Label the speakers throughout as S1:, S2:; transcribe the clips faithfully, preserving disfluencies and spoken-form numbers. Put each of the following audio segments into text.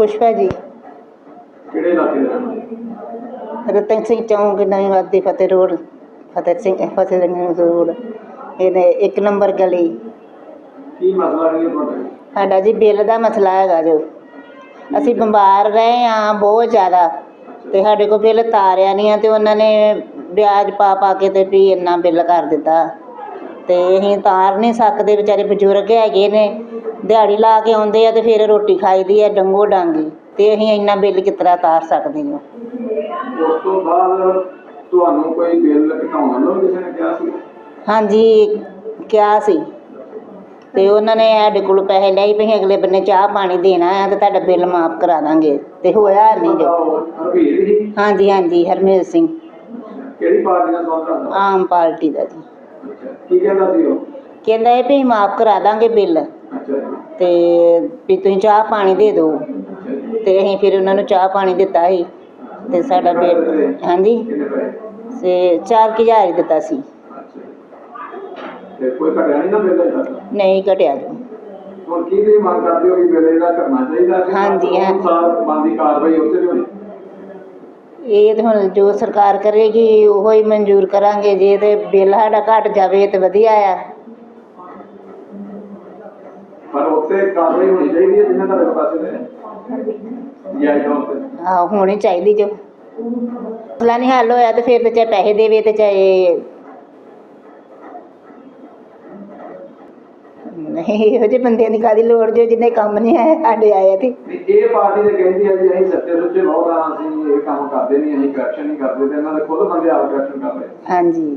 S1: पुष्पा जी
S2: ਕਿਹੜੇ ਇਲਾਕੇ ਦੇ ਰਹਿਣ ਵਾਲੇ?
S1: रतन सिंह चौंक नवी वादी फतेह रोड फतेह सिंह फतेह रोड ਇਹਨੇ ਇੱਕ ਨੰਬਰ ਗਲੀ।
S2: ਕੀ ਮਸਲਾ ਹੈ ਤੁਹਾਡਾ?
S1: ਸਾਡਾ ਜੀ ਬਿੱਲ ਦਾ ਮਸਲਾ ਹੈਗਾ ਜੋ ਅਸੀਂ ਬਿਮਾਰ ਰਹੇ ਹਾਂ ਬਹੁਤ ਜ਼ਿਆਦਾ ਤੇ ਸਾਡੇ ਕੋਲ ਬਿੱਲ ਤਾਰਿਆ ਨਹੀਂ ਆ ਤੇ ਉਹਨਾਂ ਨੇ ਵਿਆਜ ਪਾ ਪਾ ਕੇ ਤੇ ਵੀ ਇੰਨਾ ਬਿੱਲ ਕਰ ਦਿੱਤਾ ਤੇ ਅਸੀਂ ਤਾਰ ਨਹੀਂ ਸਕਦੇ। ਵਿਚਾਰੇ ਬਜ਼ੁਰਗ ਹੈਗੇ ਨੇ, ਦਿਹਾੜੀ ਲਾ ਕੇ ਆਉਂਦੇ ਆ ਤੇ ਫਿਰ ਰੋਟੀ ਖਾਈਦੀ ਆ ਡੰਗੋ ਡਾਂਗੀ ਤੇ ਅਸੀਂ ਇੰਨਾ ਬਿੱਲ ਕਿਸ ਤਰ੍ਹਾਂ ਤਾਰ ਸਕਦੇ ਹਾਂ।
S2: ਉਸ ਤੋਂ ਬਾਅਦ ਤੁਹਾਨੂੰ ਕੋਈ ਬਿੱਲ ਘਟਾਉਣ ਨੂੰ ਕਿਸੇ ਨੇ ਕਿਹਾ ਸੀ?
S1: ਹਾਂਜੀ ਕਿਹਾ ਸੀ ਤੇ ਉਹਨਾਂ ਨੇ ਸਾਡੇ ਕੋਲ ਪੈਸੇ ਲਏ ਵੀ ਅਗਲੇ ਬੰਨੇ ਚਾਹ ਪਾਣੀ ਦੇਣਾ ਆ ਤੇ ਤੁਹਾਡਾ ਬਿੱਲ ਮਾਫ ਕਰਾ ਦਾਂਗੇ ਤੇ ਹੋਇਆ ਨਹੀਂ ਜੋ।
S2: ਹਰਵੀਰ ਜੀ?
S1: ਹਾਂਜੀ ਹਾਂਜੀ ਹਰਮੇਲ ਸਿੰਘ।
S2: ਕਿਹੜੀ ਪਾਰਟੀ ਦਾ ਸੰਬੰਧ ਰੱਖਦਾ?
S1: ਆਮ ਪਾਰਟੀ ਦਾ ਜੀ।
S2: ਅੱਛਾ, ਕੀ ਕਹਿੰਦਾ ਸੀ ਉਹ?
S1: ਕਹਿੰਦਾ ਇਹ ਵੀ ਮਾਫ ਕਰਾ ਦਾਂਗੇ ਬਿੱਲ
S2: ਅੱਛਾ ਜੀ।
S1: ਤੇ ਵੀ ਤੁਸੀਂ ਚਾਹ ਪਾਣੀ ਦੇ ਦਿਓ
S2: ਅੱਛਾ ਜੀ।
S1: ਤੇ ਅਸੀਂ ਫਿਰ ਉਹਨਾਂ ਨੂੰ ਚਾਹ ਪਾਣੀ ਦਿੱਤਾ ਸੀ ਤੇ ਸਾਡਾ ਬਿੱਲ ਹਾਂਜੀ
S2: ਕਿੰਨੇ ਪੈਸੇ?
S1: ਤੇ ਚਾਰ ਕੁ ਹਜ਼ਾਰ ਹੀ ਦਿੱਤਾ ਸੀ।
S2: ਅੱਛਾ ਜੀ। ਤੇ ਕੋਈ ਘਟਿਆ ਨਹੀਂ ਨਾ ਬਿੱਲ ਅਜੇ ਤੱਕ?
S1: ਨਹੀਂ ਘਟਿਆ ਜੋ।
S2: ਹੁਣ ਕੀ ਤੁਸੀਂ ਮੰਗ ਕਰਦੇ ਹੋ ਕਿ ਬਿੱਲ ਇਹਦਾ ਕਰਨਾ ਚਾਹੀਦਾ ਕਿ
S1: ਹਾਂਜੀ, ਹਾਂ।
S2: ਅਨੁਸਾਰ ਬਣਦੀ ਕਾਰਵਾਈ ਉੱਤੇ ਵੀ ਹੋਣੀ?
S1: ਇਹ ਤਾਂ ਹੁਣ ਜੋ ਸਰਕਾਰ ਕਰੇਗੀ ਉਹੋ ਹੀ ਮਨਜ਼ੂਰ ਕਰਾਂਗੇ। ਜੇ ਤੇ ਬਿੱਲ ਸਾਡਾ ਘਟ ਜਾਵੇ ਤਾਂ ਵਧੀਆ ਆ।
S2: ਪਰ ਉੱਤੇ ਕਾਰਵਾਈ ਹੋਣੀ ਚਾਹੀਦੀ ਹੈ ਜਿੰਨਾ ਤੁਹਾਡੇ ਪਾਸੇ ਦੇ ਜਾਇਜ਼ ਤੌਰ ਤੇ।
S1: ਆਹ ਹੋਣੀ ਚਾਹੀਦੀ ਜੋ ਮਸਲਾ ਨਹੀਂ ਹੱਲ ਹੋਇਆ ਤੇ ਫਿਰ ਤੇ ਚਾਹੇ ਪੈਸੇ ਦੇਵੇ ਤੇ ਚਾਹੇ ਨਹੀਂ। ਇਹੋ ਜਿਹੇ ਬੰਦਿਆਂ ਦੀ ਕਾਹਦੀ ਲੋੜ ਜੋ ਜਿਹਨੇ ਕੰਮ ਨਹੀਂ ਆਇਆ ਸਾਡੇ ਆਇਆ ਤੇ।
S2: ਇਹ ਪਾਰਟੀ ਤੇ ਕਹਿੰਦੀ ਹੈ ਜੀ ਅਸੀਂ ਸੱਚੇ ਸੁੱਚੇ ਬਹੁਤ ਆ, ਅਸੀਂ ਇਹ ਕੰਮ ਕਰਦੇ ਨਹੀਂ, ਅਸੀਂ ਕਰਪਸ਼ਨ ਨਹੀਂ ਕਰਦੇ ਤੇ ਇਹਨਾਂ ਦੇ ਖੁਦ ਬੰਦੇ ਆਪ ਕਰਪਸ਼ਨ ਕਰ ਰਹੇ।
S1: ਹਾਂਜੀ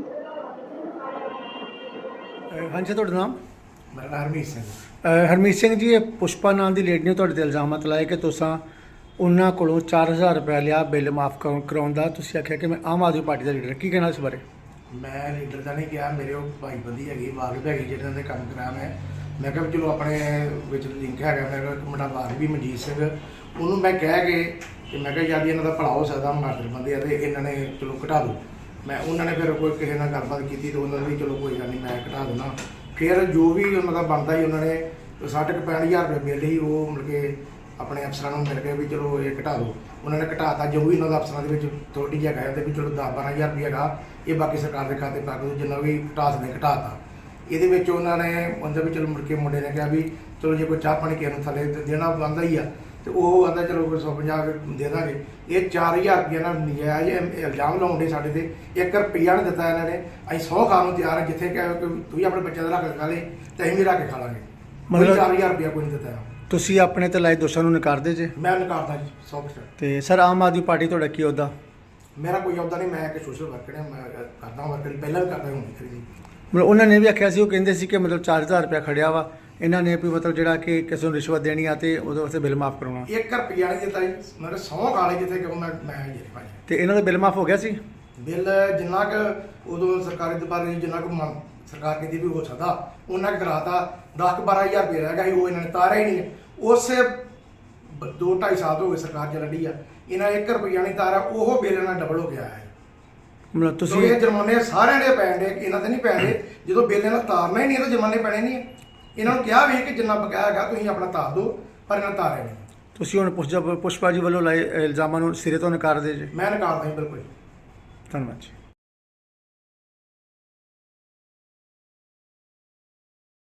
S3: ਹਾਂਜੀ ਤੁਹਾਡਾ ਨਾਮ?
S4: ਮੇਰਾ ਨਾਮ ਹਰਮੀਤ ਸਿੰਘ।
S3: ਅ, ਹਰਮੀਤ ਸਿੰਘ ਜੀ, ਇਹ ਪੁਸ਼ਪਾ ਨਾਂ ਦੀ ਲੇਡੀ ਨੇ ਤੁਹਾਡੇ ਤੇ ਇਲਜ਼ਾਮਤ ਲਾਏ ਕਿ ਤੁਸੀਂ ਉਹਨਾਂ ਕੋਲੋਂ ਚਾਰ ਹਜ਼ਾਰ ਰੁਪਏ ਲਿਆ ਬਿੱਲ ਮਾਫ ਕਰਾਉਣ ਦਾ। ਤੁਸੀਂ ਆਖਿਆ ਕਿ ਮੈਂ ਆਮ ਆਦਮੀ ਪਾਰਟੀ ਦਾ ਲੀਡਰ। ਕੀ ਕਹਿਣਾ ਇਸ ਬਾਰੇ?
S4: ਮੈਂ ਲੀਡਰ ਦਾ ਨਹੀਂ ਕਿਹਾ, ਮੇਰੇ ਉਹ ਭਾਈ ਬੰਦੀ ਹੈਗੀ ਵਾਕਫ ਹੈਗੀ ਜਿਹਨਾਂ ਦੇ ਕੰਮ ਕਰਾਇਆ ਮੈਂ ਮੈਂ ਕਿਹਾ ਵੀ ਚਲੋ ਆਪਣੇ ਵਿੱਚ ਲਿੰਕ ਹੈਗਾ। ਮੇਰਾ ਇੱਕ ਮੁੰਡਾ ਵਾਕਫ ਵੀ ਮਨਜੀਤ ਸਿੰਘ, ਉਹਨੂੰ ਮੈਂ ਕਹਿ ਕੇ ਕਿ ਮੈਂ ਕਿਹਾ ਯਾਰ ਇਹਨਾਂ ਦਾ ਭਲਾ ਹੋ ਸਕਦਾ, ਮਾਰਦਰ ਬੰਦੇ ਆ ਤੇ ਇਹਨਾਂ ਨੇ ਚਲੋ ਘਟਾ ਦਿਓ। ਮੈਂ ਉਹਨਾਂ ਨੇ ਫਿਰ ਕੋਈ ਕਿਸੇ ਨਾਲ ਗੱਲਬਾਤ ਕੀਤੀ ਤੇ ਉਹਨਾਂ ਨੇ ਚਲੋ ਕੋਈ ਗੱਲ ਨਹੀਂ ਮੈਂ ਘਟਾ ਦਿੰਦਾ। ਫਿਰ ਜੋ ਵੀ ਉਹਨਾਂ ਦਾ ਬਣਦਾ ਸੀ ਉਹਨਾਂ ਨੇ ਸੱਠ ਕੁ ਪੈਂਹਠ ਹਜ਼ਾਰ ਰੁਪਏ ਬਿੱਲ ਸੀ ਉਹ ਮਤਲਬ ਕਿ ਆਪਣੇ ਅਫਸਰਾਂ ਨੂੰ ਮਿਲ ਕੇ ਵੀ ਚਲੋ ਇਹ ਘਟਾ ਦਿਓ। ਉਹਨਾਂ ਨੇ ਘਟਾਤਾ। ਜੋ ਵੀ ਉਹਨਾਂ ਦਾ ਅਫਸਰਾਂ ਦੇ ਵਿੱਚ ਥੋੜੀ ਜਿਹਾ ਕਹਿੰਦੇ ਵੀ ਚਲੋ ਦਸ ਬਾਰਾਂ ਹਜ਼ਾਰ ਰੁਪਏ ਹੈਗਾ ਇਹ ਬਾਕੀ ਸਰਕਾਰ ਦੇ ਖਾਤੇ ਪਾ ਦਿਓ, ਜਿੰਨਾ ਵੀ ਘਟਾ ਸਕਦੇ ਘਟਾਤਾ। ਇਹਦੇ ਵਿੱਚ ਉਹਨਾਂ ਨੇ ਉਹਦੇ ਵੀ ਚਲੋ ਮੁੜ ਕੇ ਮੁੰਡੇ ਨੇ ਕਿਹਾ ਵੀ ਚਲੋ ਜੇ ਕੋਈ ਚਾਹ ਪਾਣੀ ਕਿਸੇ ਨੂੰ ਥੱਲੇ ਦੇਣਾ ਬਣਦਾ ਹੀ ਆ ਤੇ ਉਹ ਕਹਿੰਦਾ ਚਲੋ ਕੋਈ ਸੌ ਪੰਜਾਹ ਦੇ ਦਾਂਗੇ। ਇਹ ਚਾਰ ਹਜ਼ਾਰ ਰੁਪਏ ਨਾਲ ਨਜਾਇਜ਼ ਇਲਜ਼ਾਮ ਲਾਉਂਦੇ ਸਾਡੇ ਤੇ। ਇੱਕ ਰੁਪਈਆ ਨਹੀਂ ਦਿੱਤਾ ਇਹਨਾਂ ਨੇ। ਅਸੀਂ ਸੌ ਖਾਣ ਨੂੰ ਤਿਆਰ ਹਾਂ, ਜਿੱਥੇ ਕਹੇ ਕਿ ਤੁਸੀਂ ਆਪਣੇ ਬੱਚਿਆਂ ਦਾ ਰੱਖ ਕੇ ਖਾ ਲੇ ਤੇ ਅਸੀਂ ਵੀ ਰੱਖ ਕੇ ਖਾ ਲਾਂਗੇ। ਮਤਲਬ ਚਾਰ ਹਜ਼ਾਰ ਰੁਪਇਆ ਕੋਈ ਨਹੀਂ ਦਿੱਤਾ।
S3: ਤੁਸੀਂ ਆਪਣੇ ਤੇ ਲਾਏ ਦੋਸ਼ਾਂ ਨੂੰ ਨਕਾਰਦੇ ਜੇ?
S4: ਮੈਂ ਨਕਾਰਦਾ ਜੀ ਸੌ ਪਰਸੈਂਟ।
S3: ਤੇ ਸਰ ਆਮ ਆਦਮੀ ਪਾਰਟੀ ਤੁਹਾਡਾ ਕੀ ਅਹੁਦਾ?
S4: ਮੇਰਾ ਕੋਈ ਅਹੁਦਾ ਨਹੀਂ, ਮੈਂ ਇੱਕ ਸੋਸ਼ਲ ਵਰਕਰ ਹਾਂ। ਮੈਂ ਕਰਦਾ ਵਰਕਰ ਪਹਿਲਾਂ ਵੀ ਕਰਦਾ ਹੁਣ ਵੀ ਜੀ।
S3: ਮਤਲਬ ਉਹਨਾਂ ਨੇ ਵੀ ਆਖਿਆ ਸੀ, ਉਹ ਕਹਿੰਦੇ ਸੀ ਕਿ ਮਤਲਬ ਚਾਰ ਹਜ਼ਾਰ ਰੁਪਇਆ ਖੜਿਆ ਵਾ ਇਹਨਾਂ ਨੇ ਵੀ ਮਤਲਬ ਜਿਹੜਾ ਕਿ ਕਿਸੇ ਨੂੰ ਰਿਸ਼ਵਤ ਦੇਣੀ ਆ ਤੇ ਉਹਦੇ ਵਾਸਤੇ ਬਿੱਲ ਮਾਫ ਕਰਾਉਣਾ।
S4: ਇੱਕ ਰੁਪਈਆ ਨਹੀਂ ਦਿੱਤਾ ਜੀ। ਮੇਰੇ ਸੌ ਖਾ ਲਏ ਜਿੱਥੇ ਕਿ ਮੈਂ ਮੈਂ ਜੀ ਭਾਈ
S3: ਤੇ ਇਹਨਾਂ ਦਾ ਬਿੱਲ ਮਾਫ ਹੋ ਗਿਆ ਸੀ?
S4: ਬਿੱਲ ਜਿੰਨਾ ਕੁ ਉਦੋਂ ਸਰਕਾਰੀ ਦਬਾਰੇ ਜਿੰਨਾ ਕੁ ਮੰਗ ਸਰਕਾਰ ਕਹਿੰਦੀ ਵੀ ਹੋ ਸਕਦਾ ਉਹਨਾਂ ਕੁ ਕਰਾਤਾ। ਦਸ ਬਾਰਾਂ ਹਜ਼ਾਰ ਰੁਪਏ ਰਹਿ ਗਿਆ ਸੀ, ਉਹ ਇਹਨਾਂ ਨੇ ਤਾਰਿਆ ਹੀ ਨਹੀਂ। ਉਸੇ ਦੋ ਢਾਈ ਸਾਲ ਹੋ ਗਏ ਸਰਕਾਰ ਚੱਲਦੀ ਆ, ਇਹਨਾਂ ਇੱਕ ਰੁਪਈਆ ਨਹੀਂ ਤਾਰਿਆ। ਉਹ ਬਿੱਲ ਨਾਲ ਡਬਲ ਹੋ ਗਿਆ ਹੈ।
S3: ਮਤਲਬ ਤੁਸੀਂ
S4: ਇਹ ਜੁਰਮਾਨੇ ਸਾਰਿਆਂ ਦੇ ਪੈਣ ਦੇ, ਇਹਨਾਂ ਤੇ ਨਹੀਂ ਪੈਂਦੇ। ਜਦੋਂ ਬਿੱਲ ਇਹਨਾਂ ਤਾਰਨਾ ਹੀ ਨਹੀਂ ਤਾਂ ਜੁਰਮਾਨੇ ਪੈਣੇ ਨਹੀਂ। ਇਹਨਾਂ ਨੂੰ ਕਿਹਾ ਵੀ ਕਿ ਜਿੰਨਾ ਬਕਾਇਆ ਹੈਗਾ ਤੁਸੀਂ ਆਪਣਾ ਤਾਰ ਦਿਓ, ਪਰ ਇਹਨਾਂ ਤਾਰਿਆ ਨਹੀਂ।
S3: ਤੁਸੀਂ ਹੁਣ ਪੁਸ਼ਪਾ ਪੁਸ਼ਪਾ ਜੀ ਵੱਲੋਂ ਲਾਏ ਇਲਜ਼ਾਮਾਂ ਨੂੰ ਸਿਰੇ ਤੋਂ ਨਕਾਰਦੇ ਜੇ?
S4: ਮੈਂ ਨਕਾਰਦਾ ਜੀ ਬਿਲਕੁਲ।
S3: ਧੰਨਵਾਦ ਜੀ।